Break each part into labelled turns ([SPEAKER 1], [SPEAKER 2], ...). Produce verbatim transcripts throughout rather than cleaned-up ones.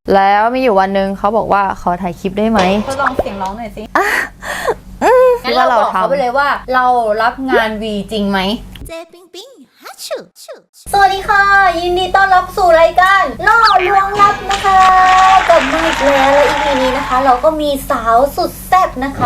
[SPEAKER 1] แล้วมีอยู่วันหนึ่งเขาบอกว่าขอถ่ายคลิปได้ไหม
[SPEAKER 2] ทดลองเสียงร้องหน่อยสิงั้น
[SPEAKER 1] ว่า
[SPEAKER 2] เรา
[SPEAKER 1] เรา
[SPEAKER 2] บอกเขา
[SPEAKER 1] ทำ
[SPEAKER 2] ไปเลยว่าเรารับงานวีจริงไหมเจปิงปิงฮัชชูสวัสดีค่ะ ยินดีต้อนรับสู่รายการล่อลวงลับนะคะกลับมาอีกแล้วและอีพีนี้นะคะ เราก็มีสาวสุดแซ่บนะคะ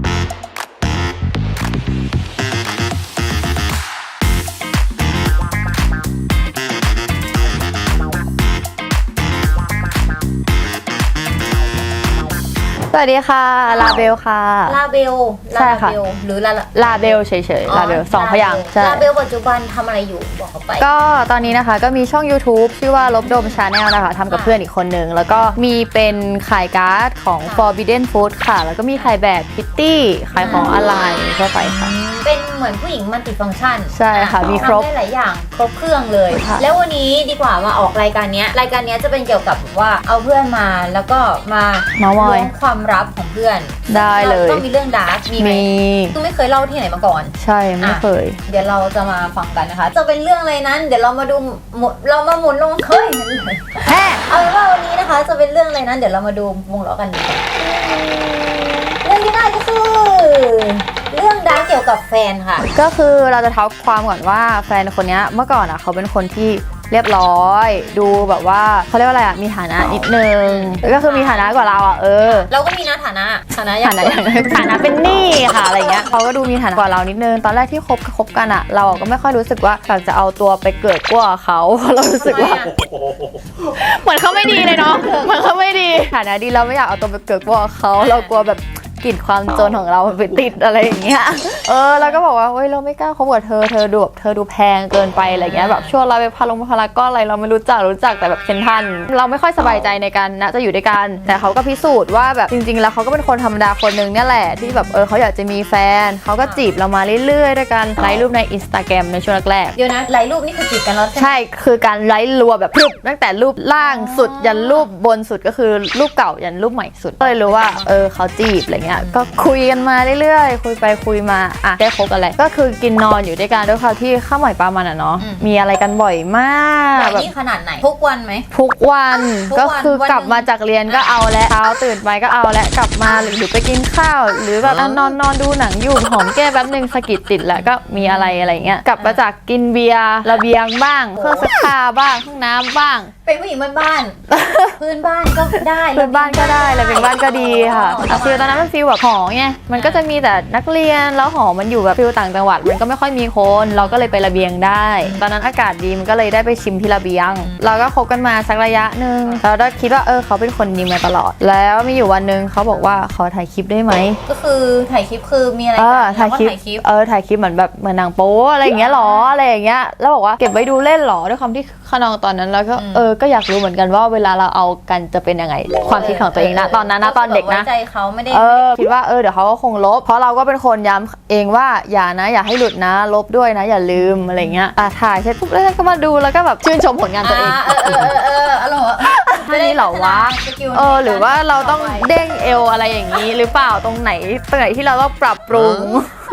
[SPEAKER 1] สวัสดีค่ะลาเบลค่ะ
[SPEAKER 2] ลาเบล
[SPEAKER 1] ใช่ค่ะ
[SPEAKER 2] ลาเบลหรือลา
[SPEAKER 1] ลาเบลเฉยๆลาเบลสองพยางค์ใช่
[SPEAKER 2] ลาเบลปัจจุบันทำอะไรอยู่บอกเขาไป
[SPEAKER 1] ก็ตอนนี้นะคะก็มีช่อง YouTube ชื่อว่าลบดม Channel นะคะทำกับเพื่อนอีกคนนึงแล้วก็มีเป็นขายการ์ดของ Forbidden Food ค่ะแล้วก็มีขายแบบพิตตี้ขายของออนไลน์ทั่วไปค่ะ
[SPEAKER 2] เป็นเหมือนผู้หญิงมัลติฟังก์ชัน
[SPEAKER 1] ใช่ค่ะมีครบ
[SPEAKER 2] ทำได้หลายอย่างครบเครื่องเลยแล้ววันนี้ดีกว่ามาออกรายการนี้รายการนี้จะเป็นเกี่ยวกับว่าเอาเพื่อนมาแล้วก็มาล้วงความลับของเพื่อน
[SPEAKER 1] ได้เลย
[SPEAKER 2] ต้องมีเรื่องดาร์กมีไหมคือไม่เคยเล่าที่ไหนมาก่อน
[SPEAKER 1] ใช่ไม่เคย
[SPEAKER 2] เดี๋ยวเราจะมาฟังกันนะคะจะเป็นเรื่องอะไรนั้นเดี๋ยวเรามาดูเรามาหมุนลงเฮ้ยเอาเป็นว่าวันนี้นะคะจะเป็นเรื่องอะไรนั้นเดี๋ยวเรามาดูวงล้อกันดีกว่าเรื่องที่ได้ก็คือเรื่องดาร์กเกี่ยวกับแฟนค่ะ
[SPEAKER 1] ก็คือเราจะเท้าความก่อนว่าแฟนคนนี้เมื่อก่อนอ่ะเขาเป็นคนที่เรียบร้อยดูแบบว่าเขาเรียกว่าอะไรอ่ะมีฐานะนิดนึงก็คือมีฐานะกว่าเราอ่ะเออ
[SPEAKER 2] เราก็มีนะฐานะฐานะ
[SPEAKER 1] ฐานะฐานะเป็นหนี้ค่ะอะไรเงี้ยเขาก็ดูมีฐานะกว่าเรานิดนึงตอนแรกที่คบคบกันอ่ะเราก็ไม่ค่อยรู้สึกว่าอยากจะเอาตัวไปเกิดกว่าเขาเรารู้สึกว่าเหมือนเขาไม่ดีเลยเนาะเหมือนเขาไม่ดีฐานะดีเราไม่อยากเอาตัวไปเกิดกว่าเขาเรากลัวแบบกลิ่นความจนของเราไปติดอะไรอย่างเงี้ยเออเราก็บอกว่าเฮ้ยเราไม่กล้าคบกับเธอเธอดูแบบเธอดูแพงเกินไปอะไรเงี้ยแบบชวนเราไปพาลงพารากอนอะไรเราไม่รู้จักรู้จักแต่แบบเซนทันเราไม่ค่อยสบายใจในการนะจะอยู่ด้วยกันแต่เขาก็พิสูจน์ว่าแบบจริงๆแล้วเขาก็เป็นคนธรรมดาคนนึงเนี่ยแหละที่แบบเออเขาอยากจะมีแฟนเขาก็จีบเรามาเรื่อยๆด้วยกันไลฟ์รูปใน Instagram ในช่วงแรก
[SPEAKER 2] ๆเดี๋ยวนะไลฟ์รูปนี่คือจีบกันแล้วใช่ไหม
[SPEAKER 1] ใช่คือการไลฟ์รัวแบบรูปตั้งแต่รูปล่างสุดยันรูปบนสุดก็คือรูปเก่ายันรูปใหม่สุดก็เลยรู้ว่าเออเขาจีบอะไรเงี้ยก็คุยกันมาเรื่อยๆคุยไปคุยมาอ่ะได้คบกันเลยก็คือกินนอนอยู่ด้วยกันด้วยความที่ข้าวใหม่ปลามันอ่ะเนาะมีอะไรกันบ่อยมาก
[SPEAKER 2] แบบนี้ขนาดไหนทุกวันไหม
[SPEAKER 1] ทุกวันก็คือกลับมาจากเรียนก็เอาและเช้าตื่นไปก็เอาและกลับมาหรือไปกินข้าวหรือแบบนอนนอนดูหนังอยู่หอมแก้แป๊บนึงสะกิดติดแล้วก็มีอะไรอะไรเงี้ยกลับมาจากกินเบียร์ระเบียงบ้างเครื่องซักผ้าบ้างห้องน้ำบ้าง
[SPEAKER 2] เป็นผู้หญิงบ้านๆพื้นบ้านก็ได้
[SPEAKER 1] พื้นบ้านก็ได้ระเบียงบ้านก็ดีค่ะฟิลตอนนั้นมันฟิลแบบหอไงมันก็จะมีแต่นักเรียนแล้วหอมันอยู่แบบฟิลต่างจังหวัดมันก็ไม่ค่อยมีคนเราก็เลยไประเบียงได้ตอนนั้นอากาศดีมันก็เลยได้ไปชิมที่ระเบียงเราก็คบกันมาสักระยะนึงเราได้คิดว่าเออเขาเป็นคนดีมาตลอดแล้วมีอยู่วันนึงเขาบอกว่าขอถ่ายคลิปได้ไหม
[SPEAKER 2] ก็คือถ่ายคลิปคือมีอะไร
[SPEAKER 1] กันถ่ายคลิปเออถ่ายคลิปเหมือนแบบเหมือนนางโป๊อะไรอย่างเงี้ยหรออะไรอย่างเงี้ยแล้วบอกว่าเก็บไว้ดูเล่นหรอด้วยความที่ขนองตอนนั้นแล้วก็เออก็อยากรู้เหมือนกันว่าเวลาเราเอากันจะเป็นยังไงความคิดของตัวเองนะตอนนั้นนะตอนเด็กนะ
[SPEAKER 2] ใจเขาไม่ได้
[SPEAKER 1] เออคิดว่าเออเดี๋ยวเขาก็คงลบเพราะเราก็เป็นคนย้ำเองว่าอย่านะอย่าให้หลุดนะลบด้วยนะอย่าลืมอะไรเงี้ยอ่ะถ่ายเสร็จปุ๊บแล้วก็มาดูแล้วก็แบบชื่นชมผลงานตัวเอง
[SPEAKER 2] เออเออเอออารมณ์
[SPEAKER 1] ท่านี้เหรอวะเออหรือว่าเราต้องเด้งเอวอะไรอย่างนี้หรือเปล่าตรงไหนตรงไหนที่เราต้องปรับปรุง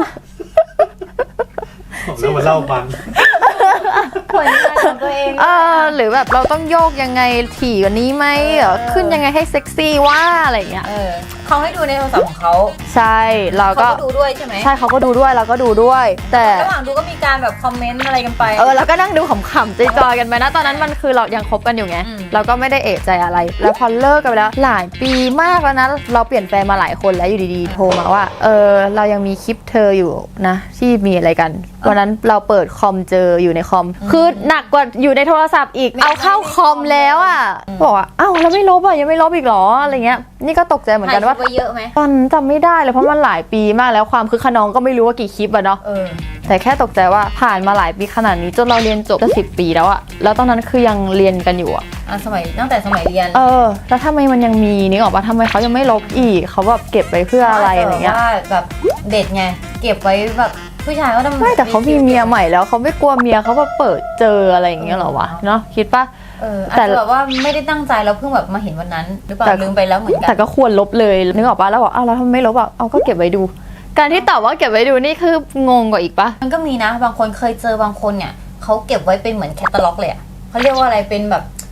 [SPEAKER 3] แล้วมาเล่ามัน
[SPEAKER 2] ผลงานของตัวเอง
[SPEAKER 1] เออหรือแบบเราต้องโยกยังไงถี่กว่านี้ไหมขึ้นยังไงให้เซ็กซี่ว่าอะไรเงี้ย
[SPEAKER 2] เขาให้ดูในโทรศัพท์ของเขา
[SPEAKER 1] ใช่เราก็
[SPEAKER 2] ดูด้วยใช่ไหม
[SPEAKER 1] ใช่เขาก็ดูด้วยเราก็ดูด้วยแต่
[SPEAKER 2] ระหว่างดูก็มีการแบบคอมเมนต์อะไรกันไป
[SPEAKER 1] เออเราก็นั่งดูขำๆจอยๆกันไปนะตอนนั้นมันคือเรายังคบกันอยู่ไงเราก็ไม่ได้เอะใจอะไรแล้วพอเลิกกันไปแล้วหลายปีมากแล้วนะเราเปลี่ยนแฟนมาหลายคนแล้วอยู่ดีๆโทรมาว่าเออเรายังมีคลิปเธออยู่นะที่มีอะไรกันวันนั้นเราเปิดคอมเจออยู่ในคอมคือหนักกว่าอยู่ในโทรศัพท์อีกเอาเข้าคอมแล้วอ่ะบอกว่าอ้าวเราไม่ลบอ่ะยังไม่ลบอีกหรออะไรเงี้ยนี่ก็ตกใจเหมือนกันว่า
[SPEAKER 2] เยอะไหม
[SPEAKER 1] ตอนจำไม่ได้เลยเพราะมันหลายปีมากแล้วความคือขนองก็ไม่รู้ว่ากี่คลิปอะเนาะแต่แค่ตกใจว่าผ่านมาหลายปีขนาดนี้จนเราเรียนจบจะสิบปีแล้วอะแล้วตอนนั้นคือยังเรียนกันอยู่อะ
[SPEAKER 2] สมัยตั้งแต่สมัยเรียน
[SPEAKER 1] เออแล้วทำไมมันยังมีนี่ออกมาทำไมเขายังไม่ลบอีกเขาแบบเก็บไปเพื่ออะไรอะไรเงี้ย
[SPEAKER 2] ว่าแบบเด็ดไงเก็บไว้แบบผู้ชายก็ทำ
[SPEAKER 1] ไม่แต่เขามีเมียใหม่แล้วเขาไม่กลัวเมียเขาแบบเปิดเจออะไรอย่างเงี้ยหรอวะเนาะคิดปะ
[SPEAKER 2] เอออาจจะแบบว่าไม่ได้ตั้งใจแล้วเพิ่งแบบมาเห็นวันนั้นหรือเปล่าลืมไปแล้วเหมือนกัน
[SPEAKER 1] แต่ก็ควรลบเลยนึกออกปะแล้วบอกอ้าวแล้วทำไมไม่ลบอ่ะเอาก็เก็บไว้ดูการที่ตอบว่าเก็บไว้ดูนี่คืองงกว่าอีกปะ
[SPEAKER 2] มันก็มีนะบางคนเคยเจอบางคนเนี่ยเขาเก็บไว้เป็นเหมือนแคตตาล็อกเลยอ่ะเขาเรียกว่าอะไรเป็นแบบ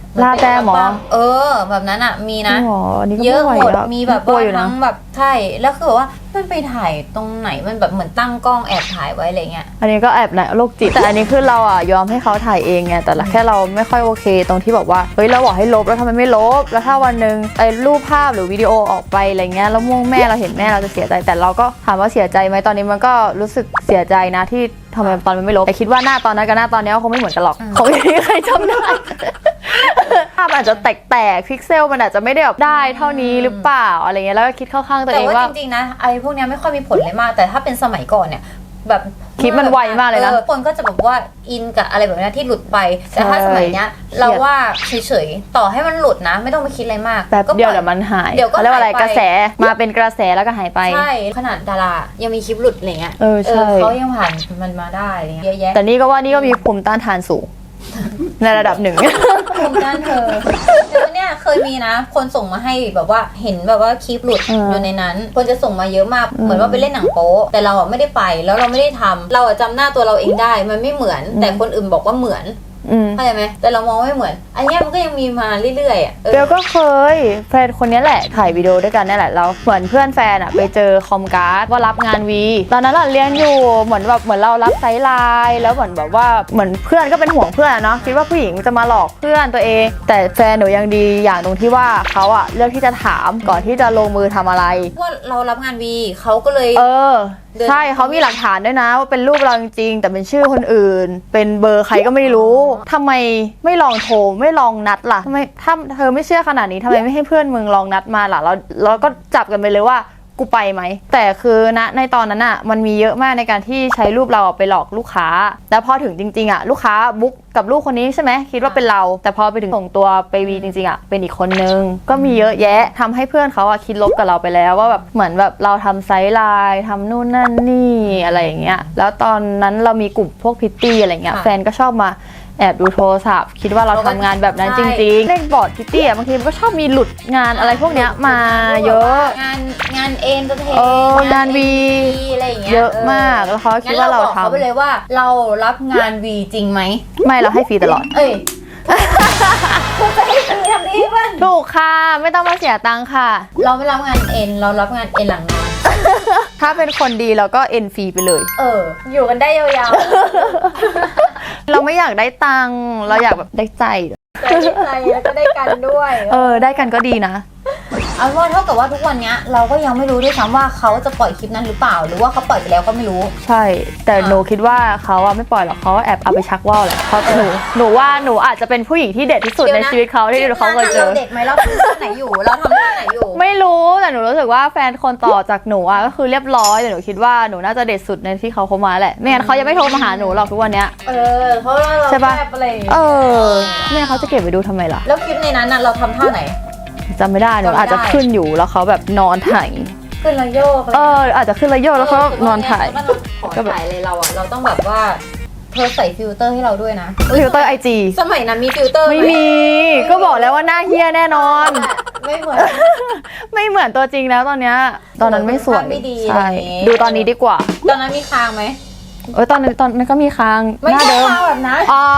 [SPEAKER 1] ลาแต้มหมอ
[SPEAKER 2] เออแบบนั้นอ่ะมีนะ
[SPEAKER 1] หมออันนี้ก็
[SPEAKER 2] เยอะ
[SPEAKER 1] ไม่
[SPEAKER 2] หม
[SPEAKER 1] ไหว
[SPEAKER 2] ด
[SPEAKER 1] แล้ว
[SPEAKER 2] มีแบบ
[SPEAKER 1] กลัว
[SPEAKER 2] ว่า
[SPEAKER 1] อยู่นะ
[SPEAKER 2] ทั้งแบบใช่แล้วคือแบบว่ามันไปถ่ายตรงไหนมันแบบเหมือนตั้งกล้องแอบถ่ายไว้อะไรเงี้ย
[SPEAKER 1] อันนี้ก็แอบนะโรคจิตแต่อันนี้คือเราอ่ะยอมให้เขาถ่ายเองไงแต่ละแค่เราไม่ค่อยโอเคตรงที่แบบว่าเฮ้ยเราบอกให้ลบแล้วทำไมไม่ลบแล้วถ้าวันหนึ่งไอ้รูปภาพหรือวิดีโอออกไปอะไรเงี้ยแล้วม่วงแม่เราเห็นแม่เราจะเสียใจแต่เราก็ถามว่าเสียใจไหมตอนนี้มันก็รู้สึกเสียใจนะที่ทำไมตอนมันไม่ลบแต่คิดว่าหน้าตอนนั้นกับหน้าตอนนี้ก็คงไม่เหมือนกันหรอกคงไม่มีใครจำได้ ภาพอาจจะแตกๆพิกเซลมันอาจจะไม่ได้แบบได้เท่านี้หรือเปล่าอะไรเงี้ยแล้วก็คิดเข้าข้างตัว
[SPEAKER 2] แต่
[SPEAKER 1] เอง
[SPEAKER 2] ว่า
[SPEAKER 1] ว่า
[SPEAKER 2] จริงๆนะไอ้พวกเนี้ยไม่ค่อยมีผลเลยมาก แต่ถ้าเป็นสมัยก่อนเนี่ยแบบ
[SPEAKER 1] คลิปมันไวมากเลยนะ
[SPEAKER 2] ออคนก็จะแบบว่าอินกับอะไรแบบนี้ที่หลุดไปแต่ถ้า
[SPEAKER 1] ใช่
[SPEAKER 2] สมัยเนี้ยเราว่าเฉยๆต่อให้มันหลุดนะ ไม่ต้องไปคิดอะไรมาก
[SPEAKER 1] แป๊บ
[SPEAKER 2] ก็
[SPEAKER 1] เดียว
[SPEAKER 2] ปล่อ
[SPEAKER 1] เดี๋ยวมันหาย
[SPEAKER 2] เดี๋ยวก็
[SPEAKER 1] เขาเรียกว่าอะไร
[SPEAKER 2] หายไป
[SPEAKER 1] กระแสมาเป็นกระแสแล้วก็หายไป
[SPEAKER 2] ใช่ขนาดดารายังมีคลิปหลุดอะไรเงี้ย
[SPEAKER 1] เออใช่
[SPEAKER 2] เขายังผ่านมันมาได้อะไรเงี้ยเยอะแยะ
[SPEAKER 1] แต่นี่ก็ว่านี่ก็มีภูมิต้านทานสูง ในระดับหนึ่ง
[SPEAKER 2] ภูมิต้านเธอแต่ว่าเนี่ยเคยมีนะ คนส่งมาให้แบบว่าเห็นแบบว่าคลิปหลุด
[SPEAKER 1] อืม
[SPEAKER 2] อยู่ในนั้น คนจะส่งมาเยอะมาก
[SPEAKER 1] อืม
[SPEAKER 2] เหมือนว่าไปเล่นหนังโป๊แต่เราอ่ะไม่ได้ไปแล้วเราไม่ได้ทำเราอ่ะจำหน้าตัวเราเองได้ มันไม่เหมือน แต่คนอื่นบอกว่าเหมือน
[SPEAKER 1] อืม
[SPEAKER 2] เข้าใจไหมแต่เรามองไม่เหมือน อันเนี้ยมันก็ยังมีมาเรื่อยๆอ่ะเออ
[SPEAKER 1] เบลก็เคยแฟนคนนี้แหละถ่ายวิดีโอด้วยกันนี่แหละแล้วเหมือนเพื่อนแฟนอะไปเจอคอมการ์ดว่ารับงานวีตอนนั้นเราเรียนอยู่เหมือนแบบเหมือนเรารับไซส์ไลน์แล้วเหมือนแบบว่าเหมือนเพื่อนก็เป็นห่วงเพื่อนอะเนาะคิดว่าผู้หญิงจะมาหลอกเพื่อนตัวเอง แต่แฟนหนูยังดีอย่างตรงที่ว่าเขาอะเลือกที่จะถามก่อนที่จะลงมือทำอะไร
[SPEAKER 2] ว่าเรารับงานวีเขาก็เลย
[SPEAKER 1] เออ
[SPEAKER 2] เดิน
[SPEAKER 1] ใช่เขามีหลักฐานด้วยนะว่าเป็นรูปเราจริงๆแต่เป็นชื่อคนอื่น เป็นเบอร์ใครก็ไม่รู้ทำไมไม่ลองโทรไม่ลองนัดล่ะทำไมถ้าเธอไม่เชื่อขนาดนี้ทำไมไม่ให้เพื่อนมึงลองนัดมาล่ะแล้วแล้วก็จับกันไปเลยว่ากูไปไหมแต่คือณในตอนนั้นอ่ะมันมีเยอะมากในการที่ใช้รูปเราไปหลอกลูกค้า แล้วพอถึงจริงๆอ่ะลูกค้าบุ๊กกับลูกคนนี้ใช่ไหมคิดว่าเป็นเรา แต่พอไปถึงส่งตัวไปวีจริงๆอ่ะเป็นอีกคนนึงก็มีเยอะแยะทำให้เพื่อนเขาอ่ะคิดลบกับเราไปแล้วว่าแบบเหมือนแบบเราทำไซส์ไลน์ทำนู่นนั่นนี่อะไรอย่างเงี้ยแล้วตอนนั้นเรามีกลุ่มพวกพิตตี้อะไรเงี้ย
[SPEAKER 2] ค่ะ
[SPEAKER 1] แฟนก็ชอบมาแอบดูโทรศัพท์คิดว่าเราทำงานแบบนั้นจริงๆเล่นบอร์ดพิตตี้อ่ะบางทีมันก็ชอบมีหลุดงานอะไรพวกเนี้ยมาเยอะ
[SPEAKER 2] งานงานเอ็นเตอร์เทน
[SPEAKER 1] เอองาน V
[SPEAKER 2] อะไรอย่างเงี้ย
[SPEAKER 1] เยอะมากแล้วเขาคิดว่าเรา
[SPEAKER 2] งั้นบอกเขาไป
[SPEAKER 1] ทำ
[SPEAKER 2] เลยว่าเรารับงานวีจริงไหม
[SPEAKER 1] ไม่เราให้ฟรีตลอด
[SPEAKER 2] เอ้ยคุณจะให้ฟรีทำดีป่ะ
[SPEAKER 1] ถูกค่ะไม่ต้องมาเสียตังค่ะ
[SPEAKER 2] เราไม่รับงานเอ็นเรารับงานเอ็นหลังนอน
[SPEAKER 1] ถ้าเป็นคนดีเราก็เอ็นฟรีไปเลย
[SPEAKER 2] เออ อยู่กันได้ยาว
[SPEAKER 1] เราไม่อยากได้ตังค์เราอยากแบบได้ใจ
[SPEAKER 2] ๆได้ใจแล้วก็ได้กันด้วย
[SPEAKER 1] เออได้กันก็ดีนะ
[SPEAKER 2] เอาว่าเท่ากับว่าทุกวันเนี้ยเราก็ยังไม่รู้ด้วยซ้ำว่าเขาจะปล่อยคลิปนั้นหรือเปล่า หรือว่าเขาปล่อยไปแล้วก็ไม่รู้
[SPEAKER 1] ใช่ แต่หนูคิดว่าเขาอะไม่ปล่อยหรอกเขาแอบเอาไปชักว่าวแหละเพราะหนูหนูว่าหนูอาจจะเป็นผู้หญิงที่เด็ดที่สุด
[SPEAKER 2] เดี๋
[SPEAKER 1] ใน
[SPEAKER 2] ยวนะ
[SPEAKER 1] ชีวิตเขาที่เขาเคยเจอ
[SPEAKER 2] เราเด็กไหมเราทำเรื่องไหนอยู่ เราทำเรื่องไหนอยู่
[SPEAKER 1] ไม่รู้แต่หนูรู้สึกว่าแฟนคนต่อจากหนูอะก็คือเรียบร้อยแต่หนูคิดว่าหนูน่าจะเด็ดสุดในที่เขาคบมาแหละไม่งั้นเขายังไม่โทรมาหาหนูหรอกทุกวันเนี้ย
[SPEAKER 2] เออ เพราะว่าเรา
[SPEAKER 1] ใช่ปะ
[SPEAKER 2] แอบอะไรอย่างเงี้ย
[SPEAKER 1] เออแม่เขาจะเก็บไปดูทำไมล่ะ
[SPEAKER 2] แล้วคลิปในนั้นน่ะเราทำท่าไหน
[SPEAKER 1] จำไม่ได้หนู
[SPEAKER 2] จำไม่ได้
[SPEAKER 1] อาจจะขึ้นอยู่แล้วเขาแบบนอนถ่าย
[SPEAKER 2] ขึ้นระโยก
[SPEAKER 1] เอออาจจะขึ้นระโยกแล้วเขานอนถ่าย
[SPEAKER 2] ก็ขอถ่ายเลยเราอะเราต้องแบบว่าเธอใส่ฟิลเตอร์ให้เราด้วยนะ
[SPEAKER 1] ฟิลเตอร์ไอจี
[SPEAKER 2] สมัยนั้นมีฟิลเตอร์ห
[SPEAKER 1] ไม่มีก็บอกแล้วว่าหน้าเฮี้ยแน่นอน
[SPEAKER 2] ไม่เหมือน
[SPEAKER 1] ไม่เหมือนตัวจริงแล้วตอนเนี้ยตอนนั้นไม่สวย
[SPEAKER 2] ภาพไม่ดี
[SPEAKER 1] ใช่
[SPEAKER 2] อะไรอย่างงี้
[SPEAKER 1] ดูตอนนี้ดีกว่า
[SPEAKER 2] ตอนนั้นมีคางไหม
[SPEAKER 1] เออตอนนั้นตอนนั้นก็มีคาง
[SPEAKER 2] ไม่
[SPEAKER 1] หน้า
[SPEAKER 2] ใช่
[SPEAKER 1] เดิม
[SPEAKER 2] คางแบบนั้น
[SPEAKER 1] อ๋อ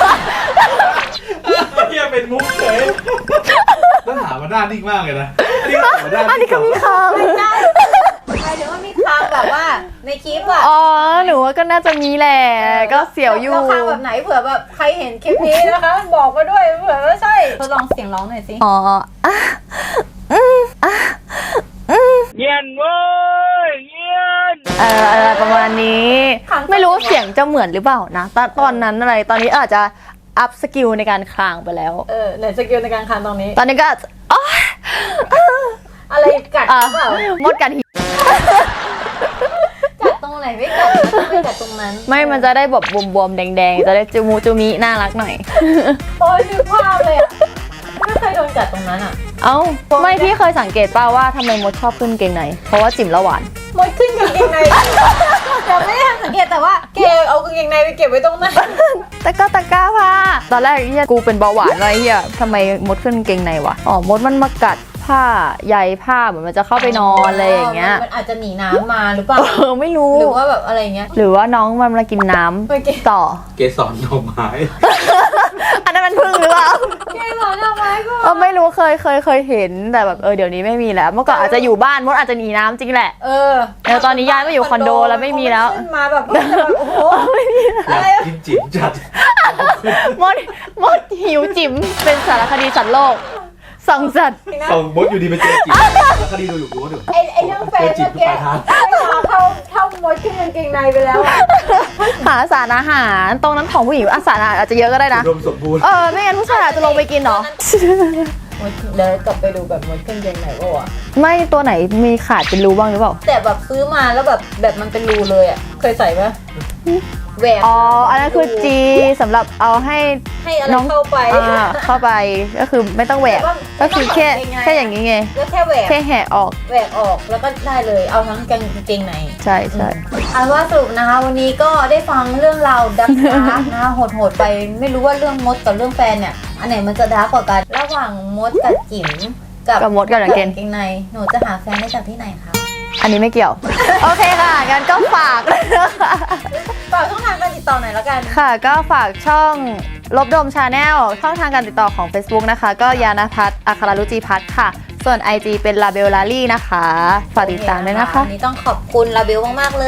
[SPEAKER 3] เฮียเป็นมุกเฉยต้องถามมาด้านนิ่งมากเลยนะ อันนี้ก็ถามมาด้าน
[SPEAKER 1] อันนี้ก็มีคาง
[SPEAKER 2] ไม่ใช่หมายถึงว่ามีคางแบบว่าในคลิปอะ
[SPEAKER 1] อ๋อหนูว่าก็น่าจะมีแหละก็เสียวอยู่
[SPEAKER 2] แล้วคางแบบไหนเผื่อแบบใครเห็นคลิปนี้นะคะ บอกมาด้วยเผื่อว่าใช่ทดลองเสียงร้องหน่อยสิ
[SPEAKER 1] อ๋ออ่ะอืมอ่ะอืม
[SPEAKER 3] เย็นเว้ยเย็น
[SPEAKER 1] เอออะไรประมาณนี้ ไม่รู้เสียงจะเหมือนหรือเปล่านะตอนตอนนั้นอะไรตอนนี้อาจจะอัพสกิลในการคลางไปแล้ว
[SPEAKER 2] เออไหนสกิลในการคางตรงนี้
[SPEAKER 1] ตอนนี้ก็อาจจะอ๋อ
[SPEAKER 2] อะไรกัด
[SPEAKER 1] อ่ะ
[SPEAKER 2] เปล่าม
[SPEAKER 1] ดกันหิ
[SPEAKER 2] กัดตรงไหนไม่กัดไม่กัดตรงนั้น
[SPEAKER 1] ไม่มันจะได้แบบบวมๆแดงๆจะได้จูมูจูมิน่ารักหน่อย
[SPEAKER 2] โอ้ยนึกภาพเลยอะไม่เคยโดนกัดตรงนั้นอะ
[SPEAKER 1] เอ้าไม่พี่เคยสังเกตป่าว่าทำไมมดชอบขึ้นเกงในเพราะว่าจิ๋มละหวาน
[SPEAKER 2] มดขึ้นกางเกงในแต่ไม่ได้ทันสังเกตแต่ว่าเกเอากางเกงในไปเก็บไว้ตรงนั้น
[SPEAKER 1] ตะก้าตะก้าผ้าตอนแรกเฮียกูเป็นเบาหวานไว้เฮียทำไมมดขึ้นเกงในวะอ๋อมดมันมากัดผ้าใยผ้าเหมือนมันจะเข้าไปนอนอะไรอย่างเงี้ย
[SPEAKER 2] มันอาจจะหนีน้ำมาหรือเปล่า
[SPEAKER 1] เออไม่รู้
[SPEAKER 2] หรือว่าแบบอะไรเงี้ย
[SPEAKER 1] หรือว่าน้องมันมากินน้ำ
[SPEAKER 2] ไม่กิน
[SPEAKER 1] ต่อ
[SPEAKER 3] เกสรดอกไม้
[SPEAKER 1] ออันนั้นมันพึ่งหรือเปล่า
[SPEAKER 2] แกหมอทำไมก็
[SPEAKER 1] เออไม่รู้เคยเคยเคยเห็นแต่แบบเออเดี๋ยวนี้ไม่มีแล้ว เมื่อก่อนอาจจะอยู่บ้านมดอาจจะหนีน้ำจริงแหละ
[SPEAKER 2] เออ
[SPEAKER 1] แล้วตอนนี้ย้ายมาอยู่คอนโดแล้วไม่มีแล้ว
[SPEAKER 2] ขึ้นมาแบบโอ้โห
[SPEAKER 3] อยากกินจิ๋มจัด
[SPEAKER 1] มดมดหิวจิ๋มเป็นสารคดีสัตว์โลกส่องสัตว์
[SPEAKER 3] ส่งมดอยู่ดีไปเจอจิ๋มแล้วคดีดูอยู่รู้ว่าเดี๋ยว
[SPEAKER 2] ไอ้ไอ้เรื่องแฟน
[SPEAKER 3] เจอจิ๋
[SPEAKER 2] เมื่
[SPEAKER 3] ม
[SPEAKER 2] อ
[SPEAKER 3] ทุก
[SPEAKER 2] กี้
[SPEAKER 3] ปลายทาง
[SPEAKER 2] ไม่มาเข้าเข้ามดขึ้นกางเกงในไปแล้วอะ
[SPEAKER 1] หาสารอาหารตรงนั้นของผู้หญิงอาสารอาหารอาจจะเยอะก็ได้นะ
[SPEAKER 3] อุดมสมบูรณ์
[SPEAKER 1] เออไม่งั้นผู้ชายอาจจะลงไปกินเหรอ
[SPEAKER 2] มดเดี๋ยวกลับไปดูแบบมดขึ้นกางเกงในก็วะ
[SPEAKER 1] ไม่ตัวไหนมีขาดเป็นรูบ้างหรือเปล่า
[SPEAKER 2] แต่แบบซื้อมาแล้วแบบแบบมันเป็นรูเลยอ่ะเคยใส่ปะแหวก
[SPEAKER 1] อ๋ออันนั้นคือจีสำหรับเอาให้
[SPEAKER 2] ให้อะไร
[SPEAKER 1] น้อง
[SPEAKER 2] เข้าไป
[SPEAKER 1] อ่าเข้าไปก็คือไม่ต้องแหวก ก็คือแค่แค่อย่างนี้ไง
[SPEAKER 2] ก็แค่แหวก
[SPEAKER 1] แค่แหะออก
[SPEAKER 2] แหวกออกแล้วก็ได้เลยเอาทั้งกางเกงใน
[SPEAKER 1] ใช่ใช่
[SPEAKER 2] อันว่าสรุปนะคะวันนี้ก็ได้ฟังเรื่องราวดักดาร์กนะคะโหดๆไปไม่รู้ว่าเรื่องมดกับเรื่องแฟนเนี่ยอันไหนมันจะดาร์กกว่ากันระหว่างมดกับจิ๋มกับ
[SPEAKER 1] กับมดกับกางเกง
[SPEAKER 2] เกงในหนูจะหาแฟนได้จากที่ไหนคะ
[SPEAKER 1] อันนี้ไม่เกี่ยว โอเคค่ะงั้นก็ฝาก
[SPEAKER 2] ฝากช่องทางการติดต่อหน่อยแล้วกัน
[SPEAKER 1] ค่ะก็ฝากช่องลบดมชาแนลช่องทางการติดต่อของ Facebook นะคะ ก็ยานพัฒน์อัครรุจิพัฒน์ค่ะ ส่วน ไอ จี เป็นลาเบลลารี่นะคะ ฝากติดตามด้วยนะคะ
[SPEAKER 2] วันนี้ต้องขอบคุณลาเบลมากๆเลย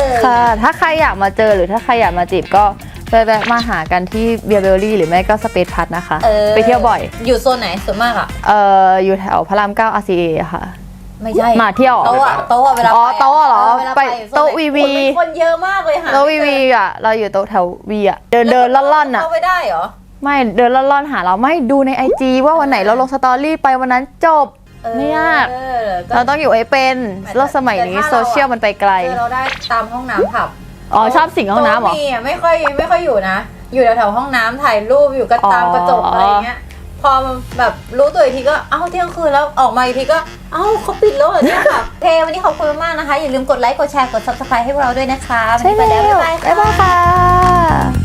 [SPEAKER 1] ค่ะ ถ้าใครอยากมาเจอหรือถ้าใครอยากมาจีบก็แวะๆมาหากันที่เบียร์เบลลี่หรือไม่ก็สเปซพัทนะคะ
[SPEAKER 2] ออ
[SPEAKER 1] ไปเที่ยวบ่อย
[SPEAKER 2] อยู่โซนไหนส่วนมากอ่ะ
[SPEAKER 1] เอ่ออยู่แถวพระรามเก้า อาร์ ซี เอ ค่ะ
[SPEAKER 2] ไม่ใช่
[SPEAKER 1] มาเที่ยว
[SPEAKER 2] โต๊ะอะโต๊ะอะเวลา
[SPEAKER 1] อ๋อ
[SPEAKER 2] ไปะ
[SPEAKER 1] โต๊ะเหรอ
[SPEAKER 2] วลา
[SPEAKER 1] ไป
[SPEAKER 2] อยู่โซน
[SPEAKER 1] โต๊ะ
[SPEAKER 2] ไหน
[SPEAKER 1] วีวี
[SPEAKER 2] คนคนเยอะมากเลยค่ะ
[SPEAKER 1] แล้ววีวีอ่ะ เราอยู่โต๊ะแถววีอ่ะ เดินเดินล่อนๆอ่ะ
[SPEAKER 2] เข้าไปได้เหรอ
[SPEAKER 1] ไม่เดินล่อนๆหาเราไม่ดูใน ไอ จี ว่าวันไหนเราลงสตอรี่ไปวันนั้นจบ
[SPEAKER 2] เออ
[SPEAKER 1] ไม่ยาก
[SPEAKER 2] เออก็
[SPEAKER 1] เราต้องอยู่ให้เป็นโลกสมัยนี้
[SPEAKER 2] แต่ถ้า
[SPEAKER 1] โซ
[SPEAKER 2] เราอะ
[SPEAKER 1] เชียลมันไปไกล
[SPEAKER 2] เจอเราได้ตามห้องน้ำผับ
[SPEAKER 1] อ๋อชอบสิ่งห้องน้ำเหรอ
[SPEAKER 2] โต๊ะมีอะไม่ค่อยไม่ค่อยอยู่นะ อยู่แถวๆห้องน้ำถ่ายรูปอยู่กันตาม
[SPEAKER 1] อ๋อ
[SPEAKER 2] กระจกอะไรเงี้ย พอมันแบบรู้ตัวอีกทีก็เอ้าเที่ยงคืนแล้วออกมาอีกทีก็เอ้าเขาปิดแล้วเหรอเนี่ยค่ะโอเควันนี้ขอบคุณมากนะคะ อย่าลืมกดไลค์กดแชร์กด ซับสไครบ์ ให้พวกเราด้วยนะคะ
[SPEAKER 1] ใช่
[SPEAKER 2] วันนี้
[SPEAKER 1] แล้
[SPEAKER 2] ไป
[SPEAKER 1] ว
[SPEAKER 2] แล้วบ๊ายบาย
[SPEAKER 1] บ๊ายบายค่ะ